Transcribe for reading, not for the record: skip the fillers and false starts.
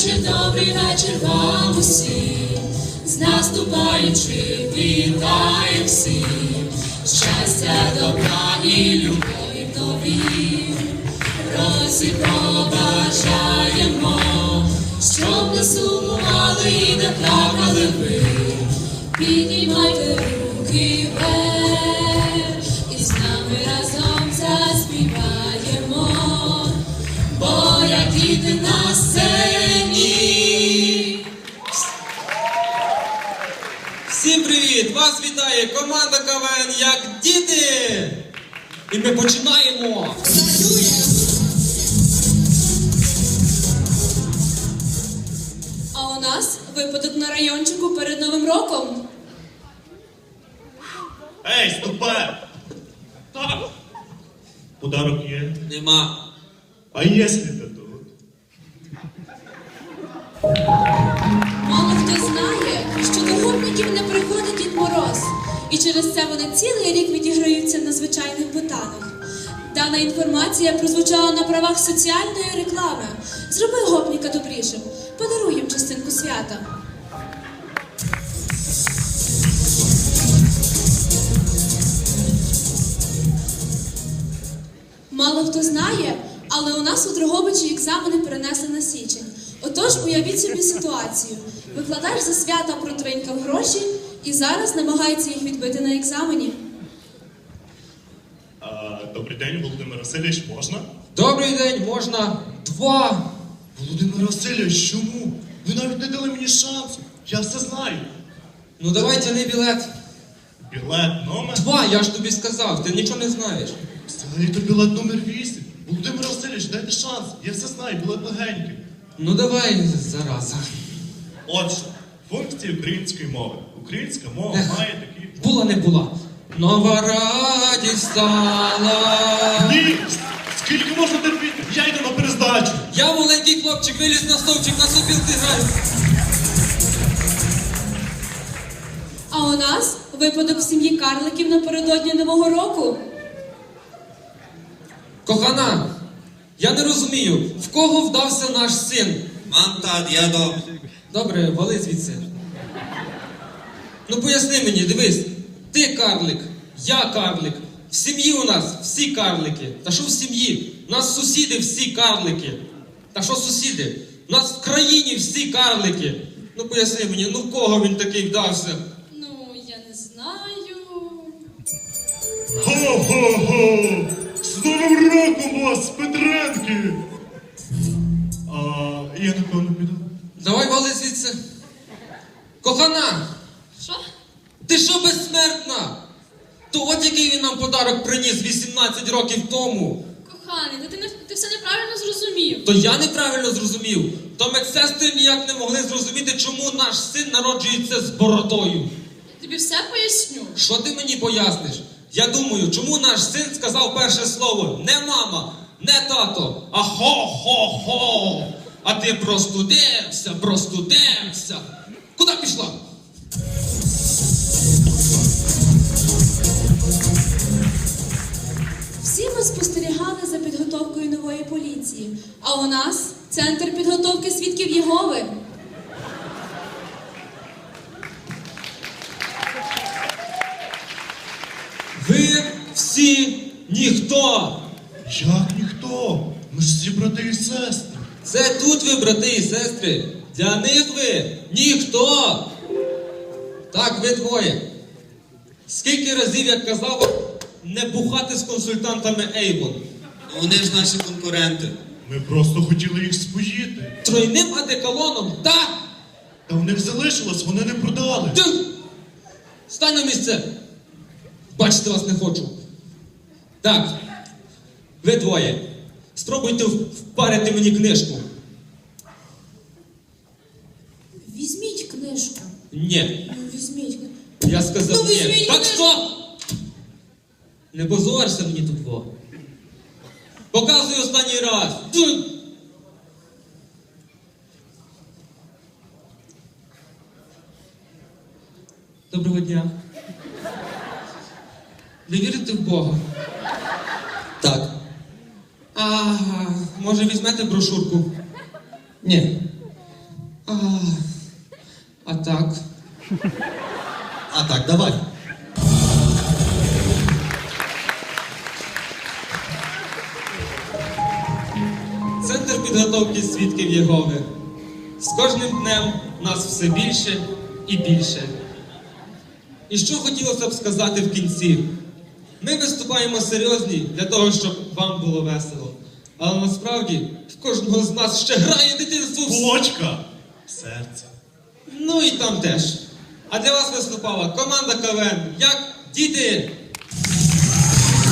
добрий вечір вам усім, з наступаючи вітаєм всім, щастя, добра і любові в нові році побажаємо, щоб не сумували і не плакали ви, піднімайте руки вверх і з нами разом заспіваємо, бо як діти на сцені. Всім привіт! Вас вітає команда КВН «Як діти!» І ми починаємо! А у нас випадок на райончику перед Новим роком. Ей, стопе! Так. Подарок є. Нема. А якщо ти тут? Мало хто знає, що до гопників не приходить Дід Мороз. І через це вони цілий рік відіграються на звичайних ботанах. Дана інформація прозвучала на правах соціальної реклами. Зроби гопніка добрішим. Подаруй їм частинку свята. Мало хто знає, але у нас у Дрогобичі екзамени перенесли на січень. Отож, уявіть собі ситуацію. Викладач за свята протринькав гроші і зараз намагається їх відбити на екзамені. Добрий день, Володимир Васильович, можна? Добрий день, можна 2. Володимир Васильович, чому? Ви навіть не дали мені шансу. Я все знаю. Ну давай тяни білет. Білет номер? 2, я ж тобі сказав, ти нічого не знаєш. Взагалі-то білет номер 8. Володимир Васильович, дайте шанс. Я все знаю, білет легенький. Ну давай, зараза. Отже, функції української мови. Українська мова має такі... Була не була. Нова радість стала. Ні! Скільки можна терпіти? Я йду на перездачу. Я маленький хлопчик, виліз на стовпчик, на сопілки граю. А у нас випадок в сім'ї Карликів напередодні Нового року. Кохана, я не розумію, в кого вдався наш син? Мам, тат, я дома. Добре, вали звідси. Ну поясни мені, дивись, ти карлик, я карлик, в сім'ї у нас всі карлики. Та що в сім'ї? У нас сусіди всі карлики. Та що сусіди? У нас в країні всі карлики. Ну поясни мені, ну в кого він такий вдався? Ну, я не знаю. Хо-хо-хо! З Новим роком вас, Петренки! Я напевно піду. Давай вали звідси. Кохана, Що? ти що безсмертна? То от який він нам подарок приніс 18 років тому. Коханий, ти все неправильно зрозумів. То я неправильно зрозумів. То медсестри ніяк не могли зрозуміти, чому наш син народжується з бородою. Тобі все поясню. Що ти мені поясниш? Я думаю, чому наш син сказав перше слово не мама, не тато, а хо-хо-хо. А ти простудився. Куди пішла? Всі ми спостерігали за підготовкою нової поліції. А у нас Центр підготовки свідків Єгови. Ви всі ніхто. Як ніхто? Ми ж всі брати і сестри. Це тут ви, брати і сестри. Для них ви ніхто. Так, ви двоє. Скільки разів я казав не бухати з консультантами Avon? Ну, вони ж наші конкуренти. Ми просто хотіли їх споїти. Тройним одеколоном, так? Та в них залишилось, вони не продали. Ти! Стань на місце. Бачити вас не хочу. Так, ви двоє. Спробуйте впарити мені книжку. Візьміть книжку. Ні. Ну, візьміть. Я сказав Ну, ні. візьміть Так книжку. що? Не позорся мені тут, во. Показую останній раз. Доброго дня. Ви вірите в Бога? Так. А може візьмете брошурку? Ні. А так. А так, давай. Центр підготовки свідків Єгови. З кожним днем нас все більше і більше. І що хотілося б сказати в кінці? Ми виступаємо серйозні для того, щоб вам було весело. Але насправді в кожного з нас ще грає дитинство в Кулочка! Серце. Ну і там теж. А для вас виступала команда КВН. Як діти?